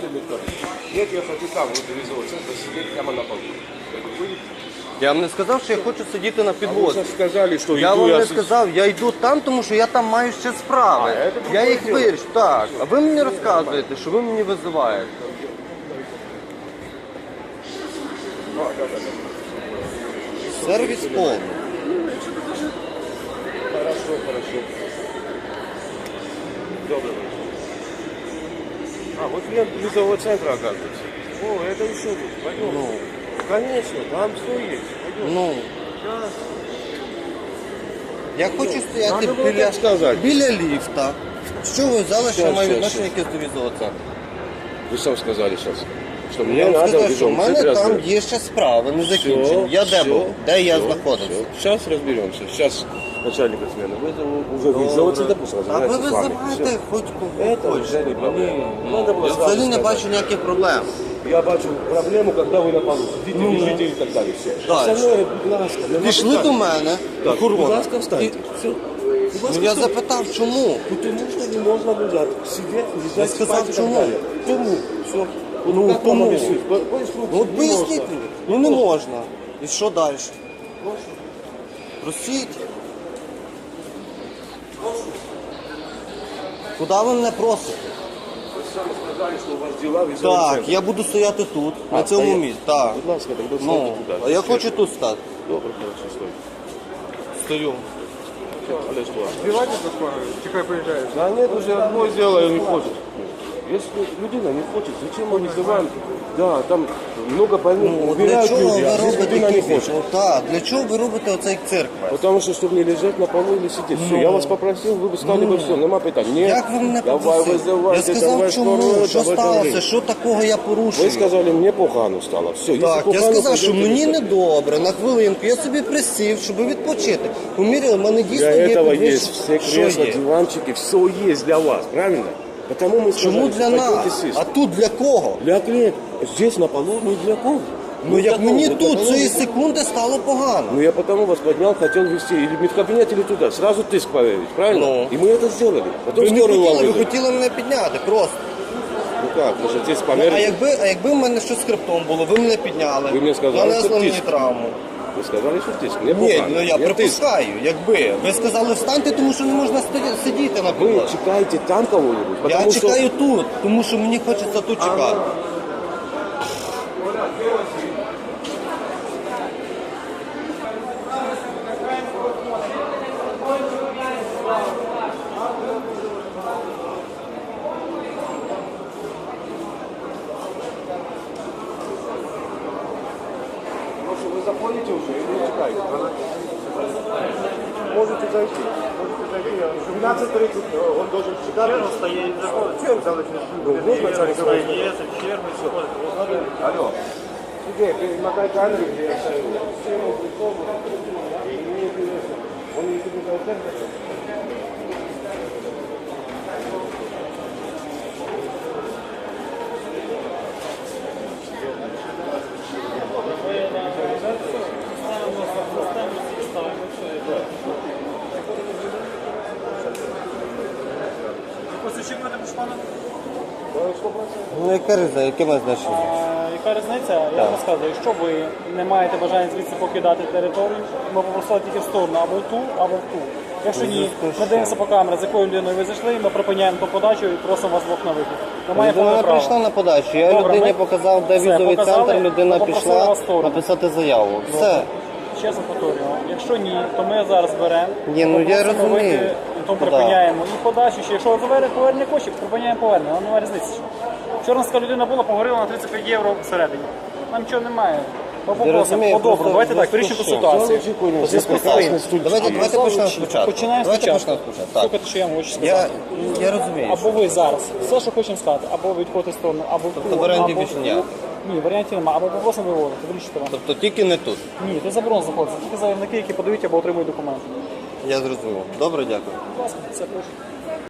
Нет, я хочу там, вот визового центра, сидеть прямо на полу. Я вам не сказав, що я хочу сидіти на Вы підлозі. сейчас сказали, что Я иду вам я... не сказав, я йду там, тому що я там маю ще справи. це Я друге їх діло. вирішу. Так. А ви мені розказуєте, що ви мені визиваєте. Сервіс повний. Хорошо, хорошо. Добрый вечер. А, вот клиент визового центра, оказывается. О, это еще тут. Пойдем. Ну, Конечно, там все есть. Пойдем. ну. Сейчас. Я хочу стояти Надо було так сказати. біля ліфта. Що ви взяли, що Щас, маю щас, відношення щас. якесь до візового центру? Вы сам сказали сейчас, что Я мне вам надо сказав, в що в визовом мене центре там остановиться. є ще справи, не закінчені. Я де був? Де я знаходився? Сейчас разберемся. Сейчас начальника смены вызову. Уже вызову центр пусть А ви разбирается с вами. визиваєте хоч кого Это хочете. уже не проблема. Надо было Я сразу взагалі не сказать. бачу ніяких проблем. Я бачу проблему, когда вы на полу сидите, лежите и так далее. Все. Дальше. Остальное, будь ласка, нема Пішли питань. до мене, Так, будь охорона. ласка, встаньте. Все. Ну я запитав, чому? Потому что не можно лежать, сидеть, Я лежать, сказав, спать и так чому? далее. Тому. Все. Ну, Как вам тому. объяснить? По инструкции Ну от не поясніть можно. мені. Ну не можна. І що далі? Просіть. Куди ви мене просите? Вы сами сказали, что у вас дела в визовом Так, центре. я буду стояти тут, на цьому стоять. місці. Так. Будь ласка, тогда Ну, встаньте туда. а я хочу тут стати. Добре, хорошо, стой. Стою. Але что? Сбивать это скоро? Чекай, приезжаешь. Да нет, уже одно сделаю, не хочет. Если людина не хочет, зачем мы вызываем? Да, там много больных, Ну, от для убирают чого люди, ви а здесь робите людина не кіпіш? хочет. Ну, так, для чого ви робите оцей цирк? Потому что, чтобы не лежать на полу или сидеть. Все, я вас попросил, вы бы стали бы все, нема питань. Нет, Як ви мене давай попросили? Я вызывайте, сказав, давай чому, скорую, що давай сталося, давай. що такого я порушую. Ви сказали, мені погано стало. Все, Так, я погано, сказав, що пойдемте мені лежать. недобре, на хвилинку, я собі присів, щоб відпочити. Поміряли, в мене дійсно Для є этого підвищення. есть все Що кресла, є? диванчики, все есть для вас, правильно? Потому мы сказали, Чому для что пойдемте нас? сесть. А тут для кого? Для клиента. Здесь на полу не для кого. Ну як для мені кого? Для тут кого? цієї секунди стало погано. Ну я потому вас поднял, хотел вести или в медкабинет, или туда. Сразу тыск проверить, правильно? Ну. И мы это сделали. Потом Ви не скорую вам хотіли, ви вызвали. хотіли мене підняти просто. Ну как, может здесь А померить? якби в мене щось з хребтом було, ви мене підняли, Ви мені сказали, нанесли що мені тиск. травму. Вы сказали, что тыск. Мне Ні, погано. ну я Мне тиск. припускаю, якби. Ви сказали встаньте, тому що не можна сидіти на Вы підлозі. чекаете там кого-нибудь? Я Потому что... чекаю тут, тому що мені хочеться тут чекати. Может, вы заходите уже или не чекаете? Можете зайти. В 12:30 он должен чекать. Чем заходит? Вот начальник говорит. Алло. Сергей, перемотай камеру, где я стою. Всему приколу. И мне интересно. Он не собирает центр. Ну яка різниця, яке має значення? Яка різниця? Я вам розказую, якщо ви не маєте бажання звідси покидати територію, ми попросили тільки в сторону або в ту, або в ту. Якщо ні, ми дивимося по камері, з якою людиною ви зайшли, ми припиняємо ту подачу і просимо вас двох на вихід. Ми маємо Людина повне право. прийшла на подачу, я Добре, людині ми- показав, де Все, візовий показали, центр, людина ми попросили пішла вас в сторону. написати заяву. Все. Ще раз повторюю, якщо ні, то ми зараз беремо, Ні, ну, я попросимо розумію. вийти, то Да. припиняємо і подачу. Ще якщо ви повернення коштів, припиняємо повернення, нам немає різниці. Вчора така людина була, поговорила на 35 євро всередині. Нам нічого немає. Ми попросимо, розумію, по-доброму, просто давайте так, в вирішимо зв'язку ситуацію. з чим? У зв'язку з Прекрасний тим, студент. Давайте почнемо спочатку. Починаємо Давайте спочатку. почнемо спочатку. Так. Слухайте, що я вам хочу сказати. Я розумію. Або ви зараз, все, що хочемо сказати, або ви відходите в сторону, або в Тобто ту, варіантів або в більше ту. ніяких? Ні, варіантів немає. Або попросимо виводити, вирішити вам. Тобто тільки не тут. Ні, це заборонено знаходиться. Тільки заявники, які подають або отримують документи. Я зрозумів. Добре, дякую. Будь ласка, все прошу.